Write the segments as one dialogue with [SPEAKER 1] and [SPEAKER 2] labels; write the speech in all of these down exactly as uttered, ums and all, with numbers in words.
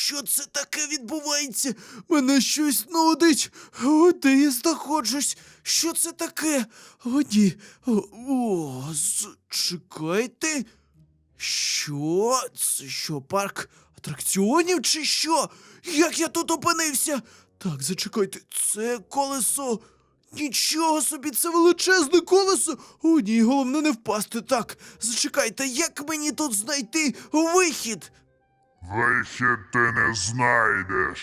[SPEAKER 1] Що це таке відбувається? Мене щось нудить. О, де я знаходжусь? Що це таке? О, ні. О, о, чекайте. Що? Це що, парк атракціонів чи що? Як я тут опинився? Так, зачекайте, це колесо. Нічого собі, це величезне колесо. О, ні, головне не впасти. Так, зачекайте, як мені тут знайти вихід?
[SPEAKER 2] Вихід ти не знайдеш.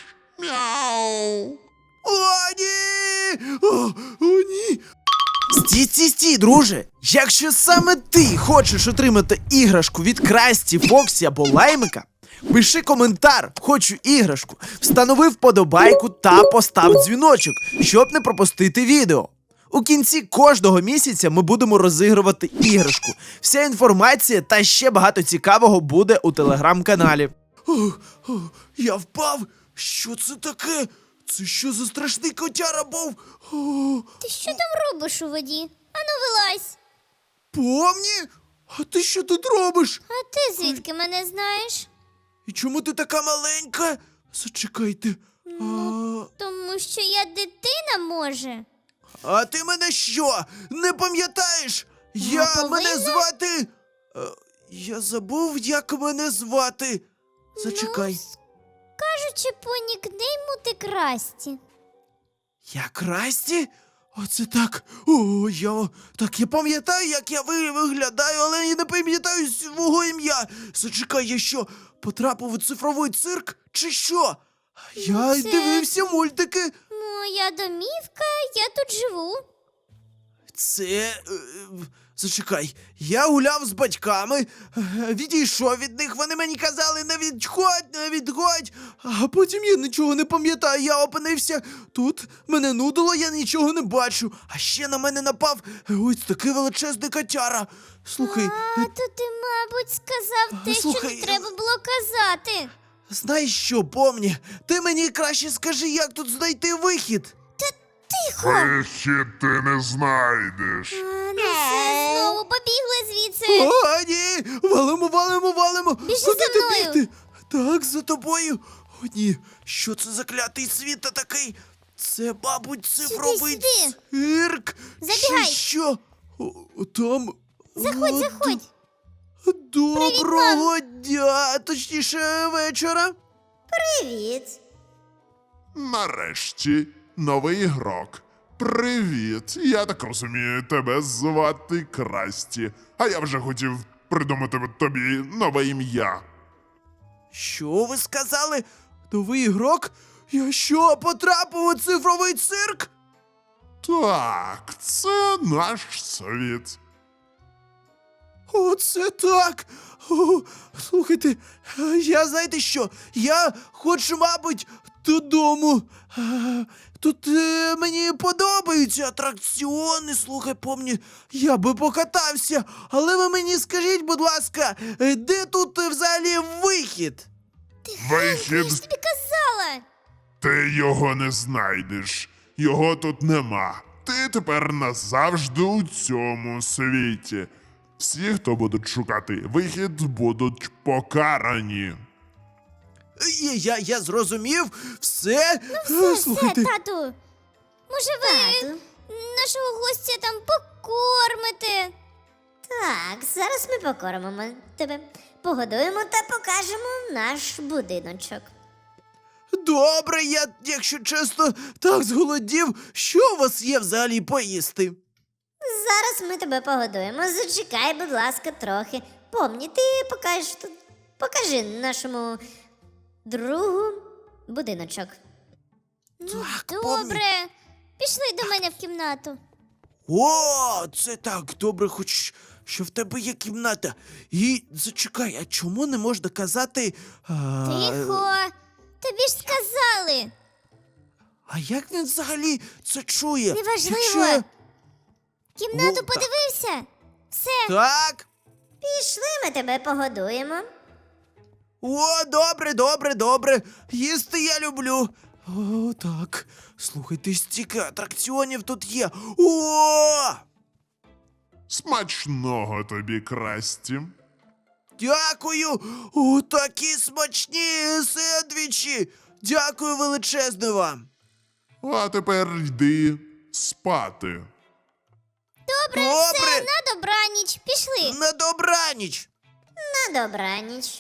[SPEAKER 2] Мяу.
[SPEAKER 1] О, ні! О, о, ні! Стій, стій, стій, друже! Якщо саме ти хочеш отримати іграшку від Красті, Фоксі або Лаймика, пиши коментар «Хочу іграшку», встанови вподобайку та постав дзвіночок, щоб не пропустити відео. У кінці кожного місяця ми будемо розігрувати іграшку. Вся інформація та ще багато цікавого буде у телеграм-каналі. О, о, я впав? Що це таке? Це що за страшний котяра був? О,
[SPEAKER 3] Ти що там робиш у воді? Ану, вилазь.
[SPEAKER 1] Помні? А ти що тут робиш?
[SPEAKER 3] А ти звідки мене знаєш?
[SPEAKER 1] І чому ти така маленька? Зачекайте. А,
[SPEAKER 3] Тому що я дитина, може.
[SPEAKER 1] а ти мене що? Не пам'ятаєш? Я
[SPEAKER 3] повинна.
[SPEAKER 1] мене звати. Е, Я забув, як мене звати. Зачекай.
[SPEAKER 3] Кажучи по нікнейму ти Красті.
[SPEAKER 1] Я Красті? Оце так. О, я. Так, я пам'ятаю, як я ви- виглядаю, але я не пам'ятаю свого ім'я. Зачекай, я що, потрапив у цифровий цирк? Чи що? Я
[SPEAKER 3] це-
[SPEAKER 1] дивився мультики.
[SPEAKER 3] Моя домівка, я тут живу.
[SPEAKER 1] Це. е, Зачекай, я гуляв з батьками, е, відійшов від них, вони мені казали, не відходь, не відходь. А потім я нічого не пам'ятаю, я опинився тут, мене нудило, я нічого не бачу. А ще на мене напав ось такий величезний котяра. Слухай,
[SPEAKER 3] А, то ти, мабуть, сказав те,
[SPEAKER 1] слухай,
[SPEAKER 3] що не треба було казати.
[SPEAKER 1] знаєш що, помні, ти мені краще скажи, як тут знайти вихід.
[SPEAKER 3] Тихо.
[SPEAKER 2] Вихід ти не знайдеш.
[SPEAKER 3] А, ну все, знову побігли звідси.
[SPEAKER 1] О, ні! Валимо, валимо, валимо!
[SPEAKER 3] Біжи
[SPEAKER 1] Куди
[SPEAKER 3] за
[SPEAKER 1] ти
[SPEAKER 3] мною.
[SPEAKER 1] бігти? Так, за тобою. О, ні, що це за клятий світ такий? Це, мабуть, цифровий
[SPEAKER 3] сюди.
[SPEAKER 1] цирк.
[SPEAKER 3] Забігай.
[SPEAKER 1] Чи що? О, там.
[SPEAKER 3] Заходь,
[SPEAKER 1] О,
[SPEAKER 3] заходь.
[SPEAKER 1] д- Доброго дня, точніше, вечора.
[SPEAKER 3] Привіт.
[SPEAKER 2] Нарешті, новий ігрок. Привіт. Я так розумію, тебе звати Красті. А я вже хотів придумати тобі нове ім'я.
[SPEAKER 1] Що ви сказали? Новий ігрок? Я що, потрапив у цифровий цирк?
[SPEAKER 2] Так, це наш світ.
[SPEAKER 1] Оце так! О, слухайте, я знаєте що? Я хочу, мабуть, додому. А, Тут е, мені подобаються атракціони, слухай, помні, я би покатався. Але ви мені скажіть, будь ласка, е, де тут е, взагалі вихід?
[SPEAKER 3] Я
[SPEAKER 2] Вихід,
[SPEAKER 3] ж тобі казала.
[SPEAKER 2] ти його не знайдеш. Його тут нема. Ти тепер назавжди у цьому світі. Всі, хто будуть шукати вихід, будуть покарані.
[SPEAKER 1] Е, Я, я зрозумів, все.
[SPEAKER 3] Все,
[SPEAKER 1] Е, слухайте.
[SPEAKER 3] все, тату. Може, ви нашого гостя там покормите?
[SPEAKER 4] Так, зараз ми покормимо тебе, погодуємо та покажемо наш будиночок.
[SPEAKER 1] Добре, я, якщо чесно, так зголодів. Що у вас є взагалі поїсти?
[SPEAKER 4] Зараз ми тебе погодуємо. Зачекай, будь ласка, трохи. Помні, ти покажеш тут. Покажи нашому другу будиночок.
[SPEAKER 1] Так, помні.
[SPEAKER 3] Добре. Пішли до мене в кімнату.
[SPEAKER 1] О, це так, добре, хоч що в тебе є кімната. І зачекай, а чому не можна казати. А,
[SPEAKER 3] Тихо. Тобі ж сказали.
[SPEAKER 1] а як він взагалі це чує?
[SPEAKER 3] Неважливо.
[SPEAKER 1] Якщо...
[SPEAKER 3] Кімнату
[SPEAKER 1] О, так.
[SPEAKER 3] подивився. Все.
[SPEAKER 1] Так.
[SPEAKER 4] Пішли, ми тебе погодуємо.
[SPEAKER 1] О, добре, добре, добре. Їсти я люблю. О, так. Слухайте, стільки атракціонів тут є. О!
[SPEAKER 2] Смачного тобі, Красті.
[SPEAKER 1] Дякую! О, такі смачні сендвічі! Дякую величезне вам!
[SPEAKER 2] А тепер йди спати.
[SPEAKER 3] Добре,
[SPEAKER 1] Добре.
[SPEAKER 3] все, на добраніч. Пішли.
[SPEAKER 1] На добраніч!
[SPEAKER 4] На добраніч.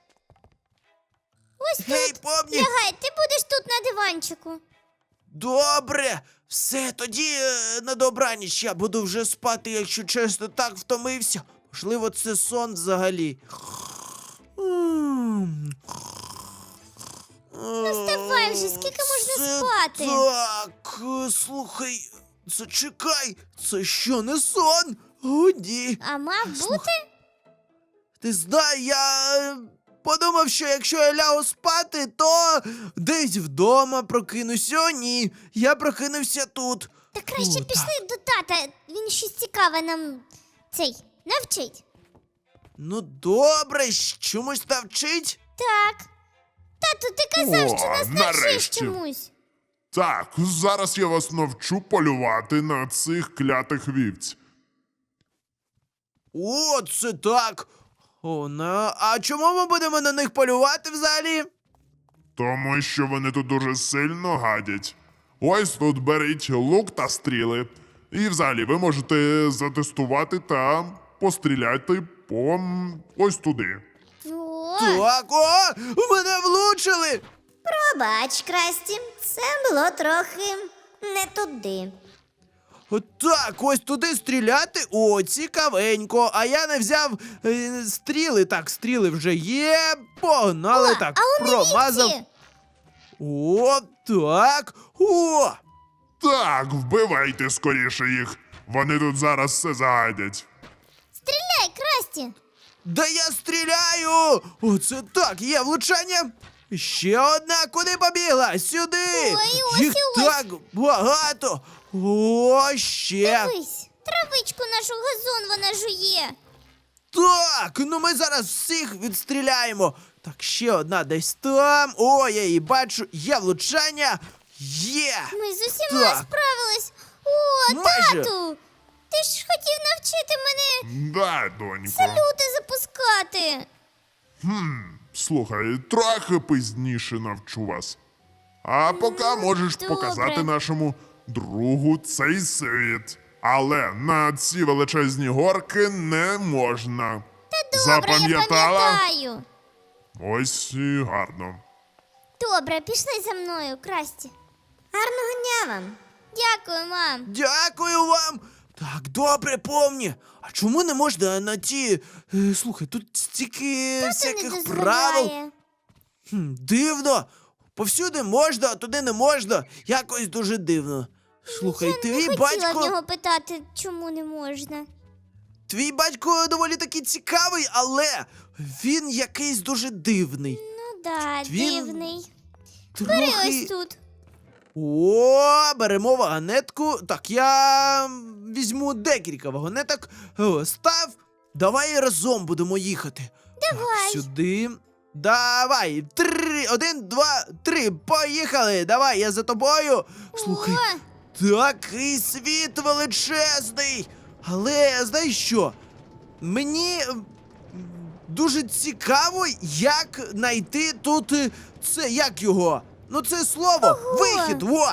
[SPEAKER 3] Ось
[SPEAKER 1] Гей,
[SPEAKER 3] тут.
[SPEAKER 1] помні!
[SPEAKER 3] Лягай, ти будеш тут на диванчику.
[SPEAKER 1] Добре! Все, тоді е, на добраніч я буду вже спати, якщо чесно, так втомився. Можливо, це сон взагалі. Ну,
[SPEAKER 3] вставай вже, скільки можна спати?
[SPEAKER 1] Так, е, слухай, зачекай, це що, не сон? О, ні.
[SPEAKER 3] А мав бути?
[SPEAKER 1] Ти знаєш, я е, подумав, що якщо я лягу спати, то десь вдома прокинусь. О, ні, я прокинувся тут.
[SPEAKER 3] Та краще
[SPEAKER 1] О,
[SPEAKER 3] пішли до тата. Він щось цікаве нам цей навчить.
[SPEAKER 1] Ну добре, чомусь навчить?
[SPEAKER 3] Так. Тату, ти казав,
[SPEAKER 2] О,
[SPEAKER 3] що нас навчиш
[SPEAKER 2] нарешті.
[SPEAKER 3] чомусь.
[SPEAKER 2] Так, зараз я вас навчу полювати на цих клятих вівць.
[SPEAKER 1] О, це так. О, на... А чому ми будемо на них полювати взагалі?
[SPEAKER 2] Тому що вони тут дуже сильно гадять. Ось тут беріть лук та стріли. І взагалі ви можете затестувати та постріляти по м, ось туди.
[SPEAKER 3] О,
[SPEAKER 1] Так, о, мене влучили.
[SPEAKER 4] Пробач, Красті, це було трохи не туди.
[SPEAKER 1] Так, ось туди стріляти. О, цікавенько. А я не взяв е, стріли. Так, стріли вже є. Погнали.
[SPEAKER 3] О,
[SPEAKER 1] Так,
[SPEAKER 3] а у
[SPEAKER 1] промазав.
[SPEAKER 3] вівці?
[SPEAKER 1] О, так. О!
[SPEAKER 2] Так, вбивайте скоріше їх. Вони тут зараз все загадять.
[SPEAKER 3] Стріляй, Красті.
[SPEAKER 1] Да я стріляю! Оце так, є влучання. Ще одна, куди побігла? Сюди!
[SPEAKER 3] Ой, ось
[SPEAKER 1] Їх
[SPEAKER 3] і ось.
[SPEAKER 1] так багато. О, ще.
[SPEAKER 3] Дивись, травичку нашу газон вона жує.
[SPEAKER 1] Так, ну ми зараз всіх відстріляємо. Так, ще одна десь там. О, я її бачу. Є влучання. Є.
[SPEAKER 3] Ми з усіма
[SPEAKER 1] Так.
[SPEAKER 3] справились. О,
[SPEAKER 1] Майже.
[SPEAKER 3] тату! Ти ж хотів навчити мене
[SPEAKER 2] Да, донько.
[SPEAKER 3] салюти запускати.
[SPEAKER 2] Слухай, трохи пізніше навчу вас. А поки можеш
[SPEAKER 3] добре.
[SPEAKER 2] показати нашому другу цей світ. Але на ці величезні горки не можна.
[SPEAKER 3] Та добре, я
[SPEAKER 2] Запам'ятала?
[SPEAKER 3] пам'ятаю.
[SPEAKER 2] Ось і гарно.
[SPEAKER 3] Добре, пішли за мною, Красті.
[SPEAKER 4] Гарного дня вам.
[SPEAKER 3] Дякую, мам.
[SPEAKER 1] Дякую вам. Так, добре, помні. А чому не можна на ті. Е, слухай, тут стільки
[SPEAKER 3] Тато не
[SPEAKER 1] всяких правил.
[SPEAKER 3] дозволяє.
[SPEAKER 1] Хм, дивно. Повсюди можна, а туди не можна. Якось дуже дивно. Слухай,
[SPEAKER 3] Я не
[SPEAKER 1] твій
[SPEAKER 3] хотіла
[SPEAKER 1] батько.
[SPEAKER 3] в нього питати, чому не можна.
[SPEAKER 1] Твій батько доволі таки цікавий, але він якийсь дуже дивний.
[SPEAKER 3] Ну да,
[SPEAKER 1] Він
[SPEAKER 3] дивний. Бери ось
[SPEAKER 1] Трохи.
[SPEAKER 3] тут.
[SPEAKER 1] О, беремо вагонетку. Так, я м, візьму декілька вагонеток. О, став. Давай разом будемо їхати.
[SPEAKER 3] Давай.
[SPEAKER 1] Так, сюди. Давай. Три. Один, два, три. Поїхали. Давай, я за тобою. Слухай,
[SPEAKER 3] О,
[SPEAKER 1] такий світ величезний. Але знаєш що? Мені м, дуже цікаво, як знайти тут е, це, як його? Ну це слово, вихід, во!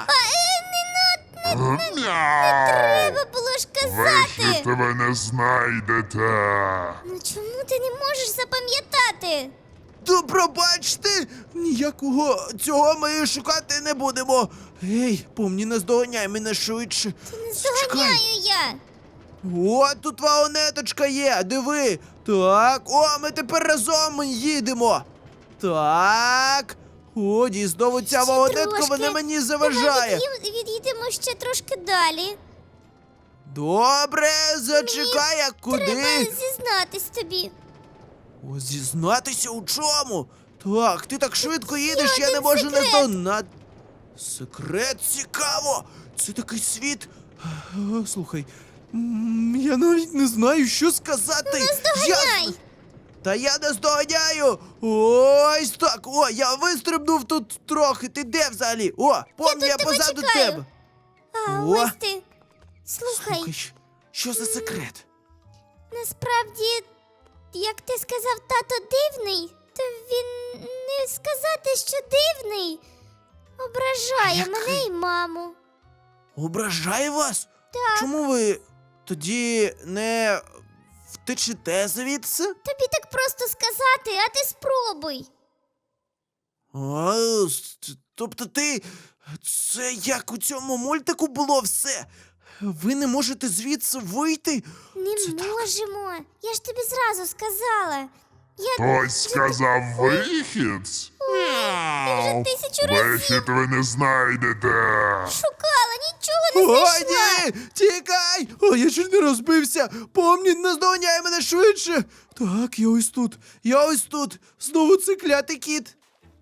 [SPEAKER 2] Мяу!
[SPEAKER 3] треба було ж казати.
[SPEAKER 2] Вихід ви не знайдете.
[SPEAKER 3] Ну чому ти не можеш запам'ятати?
[SPEAKER 1] То пробачте, ніякого цього ми шукати не будемо. Ей, помні, наздоганяй мене швидше.
[SPEAKER 3] Не
[SPEAKER 1] Чекай.
[SPEAKER 3] здоганяю я.
[SPEAKER 1] О, тут вагонеточка є, диви. Так, о, ми тепер разом їдемо. Так. О, дійсно, ця
[SPEAKER 3] Ще
[SPEAKER 1] вагонетка,
[SPEAKER 3] трошки.
[SPEAKER 1] вона мені
[SPEAKER 3] Давай
[SPEAKER 1] заважає.
[SPEAKER 3] від'їм- від'їдемо ще трошки далі.
[SPEAKER 1] Добре, зачекай, а куди?
[SPEAKER 3] Треба зізнатись тобі.
[SPEAKER 1] О, зізнатися у чому? Так, ти так швидко їдеш, я не
[SPEAKER 3] один
[SPEAKER 1] можу
[SPEAKER 3] секрет.
[SPEAKER 1] наздогнати. Секрет цікаво! Це такий світ. Е, Слухай, м, я навіть не знаю, що сказати.
[SPEAKER 3] Наздоганяй.
[SPEAKER 1] Я... Та я не здоганяю! Ось так! О, я вистрибнув тут трохи. Ти де взагалі? О, помні, я,
[SPEAKER 3] тут тебе
[SPEAKER 1] позаду
[SPEAKER 3] чекаю.
[SPEAKER 1] тебе.
[SPEAKER 3] А
[SPEAKER 1] О.
[SPEAKER 3] ось ти. Слухай,
[SPEAKER 1] Слухай, щ- що за секрет?
[SPEAKER 3] насправді як ти сказав, тато дивний, то він не сказати, що дивний. Ображає
[SPEAKER 1] Який?
[SPEAKER 3] мене і маму.
[SPEAKER 1] Ображає вас?
[SPEAKER 3] Так.
[SPEAKER 1] Чому ви тоді не втечете звідси?
[SPEAKER 3] Тобі так просто сказати, а ти спробуй.
[SPEAKER 1] А, с- тобто ти. Це як у цьому мультику було все? Ви не можете звідси вийти?
[SPEAKER 3] Не
[SPEAKER 1] Це так.
[SPEAKER 3] можемо. Я ж тобі зразу сказала. Я
[SPEAKER 2] Хтось сказав вихід?
[SPEAKER 3] вже тисячу разів
[SPEAKER 2] Вихід ви не знайдете.
[SPEAKER 3] шукала, нічого не
[SPEAKER 1] О,
[SPEAKER 3] знайшла.
[SPEAKER 1] ні! Тікай! О, я чуть не розбився! Помні, наздоганяй мене швидше! Так, я ось тут, я ось тут. Знову цей клятий кіт.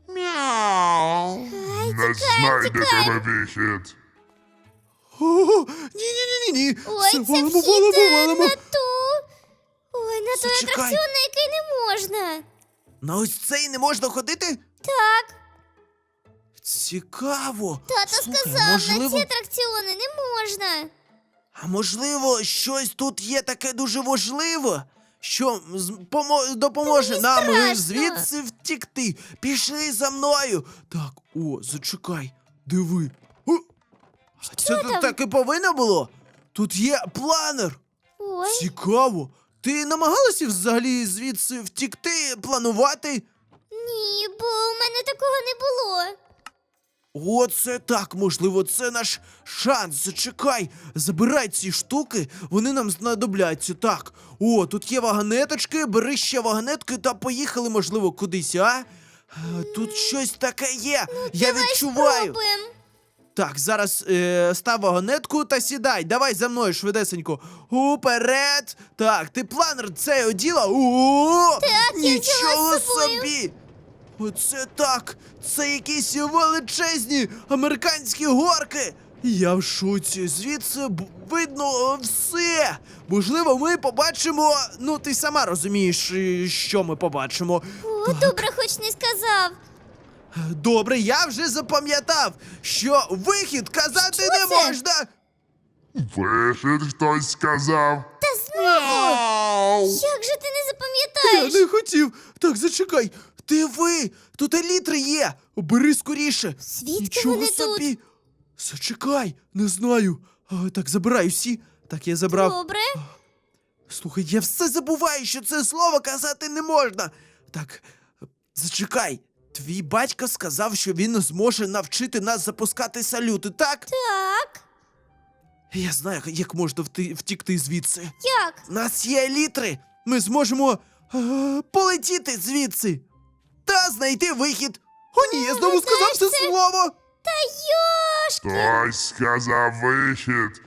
[SPEAKER 2] Не знайдете ви вихід.
[SPEAKER 1] О, ні-ні-ні-ні!
[SPEAKER 3] Ой,
[SPEAKER 1] Все,
[SPEAKER 3] це
[SPEAKER 1] валимо,
[SPEAKER 3] вхід
[SPEAKER 1] валимо,
[SPEAKER 3] е,
[SPEAKER 1] валимо.
[SPEAKER 3] на ту. Ой, на той
[SPEAKER 1] Зачекай.
[SPEAKER 3] атракціон, на який не можна.
[SPEAKER 1] На ось цей не можна ходити?
[SPEAKER 3] Так,
[SPEAKER 1] Цікаво.
[SPEAKER 3] тато
[SPEAKER 1] Слухай,
[SPEAKER 3] сказав, на
[SPEAKER 1] можливо,
[SPEAKER 3] ці атракціони не можна.
[SPEAKER 1] а можливо, щось тут є таке дуже важливе, що з- помо- допоможе
[SPEAKER 3] мені
[SPEAKER 1] нам е,
[SPEAKER 3] страшно.
[SPEAKER 1] звідси втікти. Пішли за мною. Так, о, зачекай, диви. О, а це тут
[SPEAKER 3] там?
[SPEAKER 1] так і повинно було? Тут є планер.
[SPEAKER 3] Ой,
[SPEAKER 1] Цікаво. Ти намагалася взагалі звідси втікти, планувати?
[SPEAKER 3] ні, бо у мене такого не було.
[SPEAKER 1] Оце так, можливо, це наш шанс. Зачекай, забирай ці штуки, вони нам знадобляться. Так, о, тут є вагонеточки, бери ще вагонетки та поїхали, можливо, кудись, а? Е, Тут щось таке є, я
[SPEAKER 3] Давай
[SPEAKER 1] відчуваю.
[SPEAKER 3] спробуємо.
[SPEAKER 1] Так, зараз е, став вагонетку та сідай. Давай за мною швидесенько. Уперед. Так, ти планер цей оділа? О,
[SPEAKER 3] Так, я взяла
[SPEAKER 1] нічого
[SPEAKER 3] з собою.
[SPEAKER 1] собі. Оце так. Це якісь величезні американські горки. Я в шоці. Звідси б- видно все. Можливо, ми побачимо. Ну, ти сама розумієш, е, що ми побачимо.
[SPEAKER 3] О, добре, хоч не сказав.
[SPEAKER 1] Добре, я вже запам'ятав, що вихід казати
[SPEAKER 3] Що
[SPEAKER 1] не
[SPEAKER 3] це?
[SPEAKER 1] можна.
[SPEAKER 2] Вихід хтось сказав.
[SPEAKER 3] Та знову. Як же ти не
[SPEAKER 1] Я
[SPEAKER 3] запам'ятаєш?
[SPEAKER 1] не хотів. Так, зачекай. Диви, тут елітри є. Бери скоріше.
[SPEAKER 3] Звідки
[SPEAKER 1] Нічого
[SPEAKER 3] вони
[SPEAKER 1] собі. Зачекай, не знаю. А, так, забирай всі. Так, я забрав.
[SPEAKER 3] Добре.
[SPEAKER 1] Слухай, я все забуваю, що це слово казати не можна. Так, зачекай. Твій батько сказав, що він зможе навчити нас запускати салюти, так?
[SPEAKER 3] Так.
[SPEAKER 1] Я знаю, як можна вти- втікти звідси.
[SPEAKER 3] Як?
[SPEAKER 1] У нас є елітри. Ми зможемо е, полетіти звідси та знайти вихід. О, ні, я знову
[SPEAKER 3] знаєш,
[SPEAKER 1] сказав це
[SPEAKER 3] це-
[SPEAKER 1] слово.
[SPEAKER 3] Та йошки.
[SPEAKER 2] Хтось сказав вихід.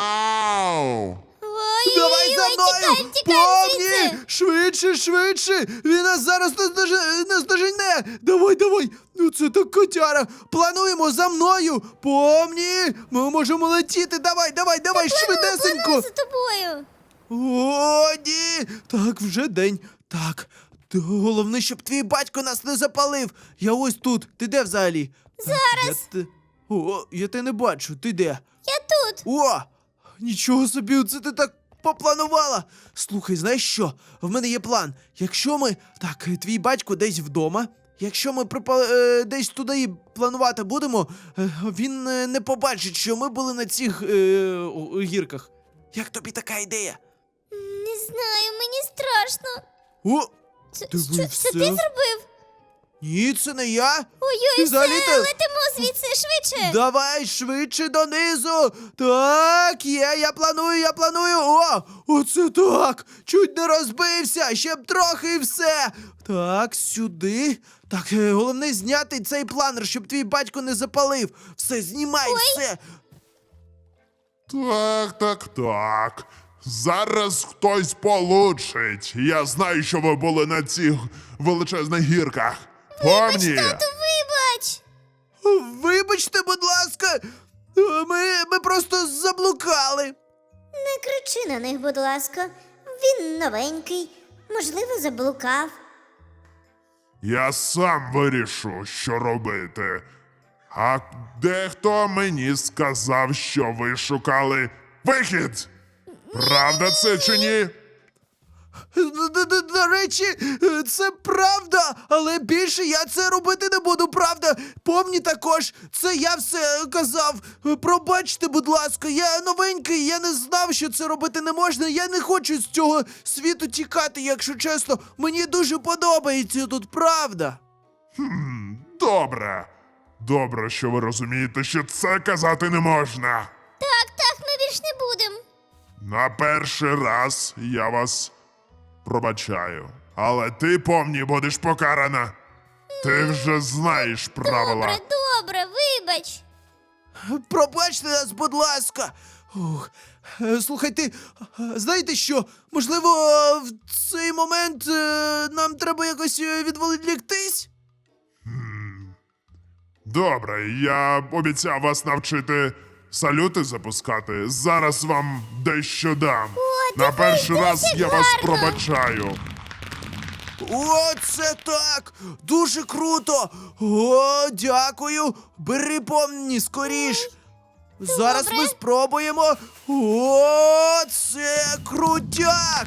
[SPEAKER 3] Ой,
[SPEAKER 1] Давай
[SPEAKER 3] ой,
[SPEAKER 1] за
[SPEAKER 3] ой,
[SPEAKER 1] мною!
[SPEAKER 3] тікаємо, тікаємо
[SPEAKER 1] Помні!
[SPEAKER 3] звідси.
[SPEAKER 1] Швидше, швидше! Він нас зараз наздоже- наздожене! Давай, давай! Ну це так котяра! Плануємо за мною! Помні! Ми можемо летіти! Давай, давай, давай, швидесенько!
[SPEAKER 3] Планую за тобою.
[SPEAKER 1] О, ні! Так, вже день. Так. Т- Головне, щоб твій батько нас не запалив. Я ось тут. Ти де взагалі? Зараз. Я те... О, я тебе не бачу. Ти де?
[SPEAKER 3] Я тут.
[SPEAKER 1] О! Нічого собі, це ти так попланувала. Слухай, знаєш що? В мене є план. Якщо ми. Так, е, твій батько десь вдома. Якщо ми припа... е, десь туди і планувати будемо, е, він е, не побачить, що ми були на цих е, о- гірках. Як тобі така ідея?
[SPEAKER 3] Не знаю, мені страшно.
[SPEAKER 1] О!
[SPEAKER 3] Це,
[SPEAKER 1] Диви,
[SPEAKER 3] що, це
[SPEAKER 1] все.
[SPEAKER 3] ти зробив?
[SPEAKER 1] Ні, це не я.
[SPEAKER 3] Ой-ой,
[SPEAKER 1] І
[SPEAKER 3] все,
[SPEAKER 1] взагалі-то-
[SPEAKER 3] летимо звідси швидше.
[SPEAKER 1] Давай швидше донизу. Так, є, я планую, я планую. О, оце так. Чуть не розбився, ще б трохи і все. Так, сюди. Так, е, головне зняти цей планер, щоб твій батько не запалив. Все, знімай, все.
[SPEAKER 2] Так, так, так. Зараз хтось получить. Я знаю, що ви були на цих величезних гірках. Помні?
[SPEAKER 3] Тату, вибач.
[SPEAKER 1] Вибачте, будь ласка. Е, Ми, ми просто заблукали.
[SPEAKER 4] Не кричи на них, будь ласка. Він новенький, можливо, заблукав.
[SPEAKER 2] Я сам вирішу, що робити. А дехто мені сказав, що ви шукали вихід. Правда це чи ні?
[SPEAKER 1] Д- д- д- До речі, е, це правда, але більше я це робити не буду, правда. Помні також, це я все казав. Е, Пробачте, будь ласка, я новенький, я не знав, що це робити не можна. Я не хочу з цього світу тікати, якщо чесно. Мені дуже подобається тут, правда.
[SPEAKER 2] Хм, добре. Добре, що ви розумієте, що це казати не можна.
[SPEAKER 3] Так, так, ми більш не будемо.
[SPEAKER 2] На перший раз я вас пробачаю. Але ти, помні, будеш покарана. Ти вже знаєш правила.
[SPEAKER 3] Добре, добре, вибач.
[SPEAKER 1] Пробачте нас, будь ласка. Ух. Е, Слухайте, е, знаєте що? Можливо, е, в цей момент е, нам треба якось е, відволіктись?
[SPEAKER 2] Добре, я обіцяв вас навчити салюти запускати. Зараз вам дещо дам. На перший раз я вас пробачаю.
[SPEAKER 1] О, це так! Дуже круто! О, дякую! Бери помні скоріш! Зараз ми спробуємо. О, це крутяк!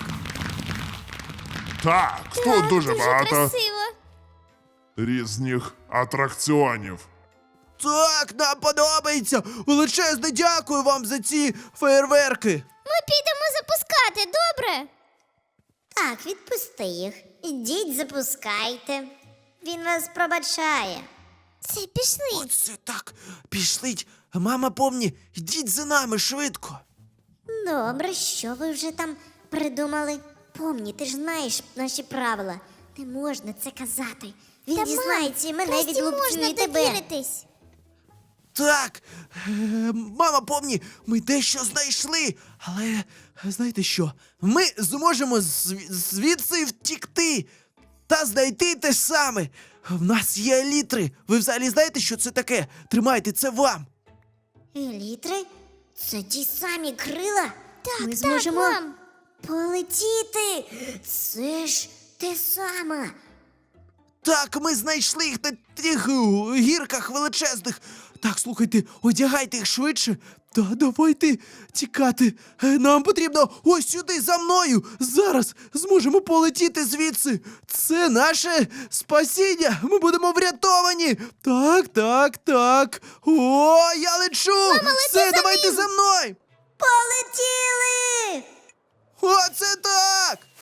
[SPEAKER 2] Так, тут
[SPEAKER 3] Так,
[SPEAKER 2] дуже багато
[SPEAKER 3] красиво.
[SPEAKER 2] різних атракціонів.
[SPEAKER 1] Так, нам подобається! Величезне дякую вам за ці феєрверки!
[SPEAKER 3] Ми підемо запускати, добре?
[SPEAKER 4] Так, відпусти їх. Ідіть, запускайте. Він вас пробачає.
[SPEAKER 3] Це пішли.
[SPEAKER 1] Оце так! Пішліть! Мама, помні, йдіть за нами швидко!
[SPEAKER 4] Добре, що ви вже там придумали? Помні, ти ж знаєш наші правила. Не можна це казати. Він
[SPEAKER 3] Та,
[SPEAKER 4] дізнається і
[SPEAKER 3] мам,
[SPEAKER 4] мене
[SPEAKER 3] Красті
[SPEAKER 4] відлупцює
[SPEAKER 3] можна
[SPEAKER 4] і тебе.
[SPEAKER 3] довіритись.
[SPEAKER 1] Так, е, мама, помні, ми дещо знайшли, але знаєте що? Ми зможемо зв- звідси втікти та знайти те саме. В нас є елітри. Ви взагалі знаєте, що це таке? Тримайте, це вам.
[SPEAKER 4] Елітри? Це ті самі крила?
[SPEAKER 3] Так,
[SPEAKER 4] Ми
[SPEAKER 3] так,
[SPEAKER 4] зможемо
[SPEAKER 3] мам.
[SPEAKER 4] полетіти. Це ж те саме.
[SPEAKER 1] Так, ми знайшли їх на тих е, гірках величезних. Так, слухайте, одягайте їх швидше. Та давайте тікати. Е, Нам потрібно ось сюди за мною. Зараз зможемо полетіти звідси. Це наше спасіння. Ми будемо врятовані. Так, так, так. О, я лечу. Все, давайте за мною.
[SPEAKER 4] Полетіли!
[SPEAKER 1] Оце так.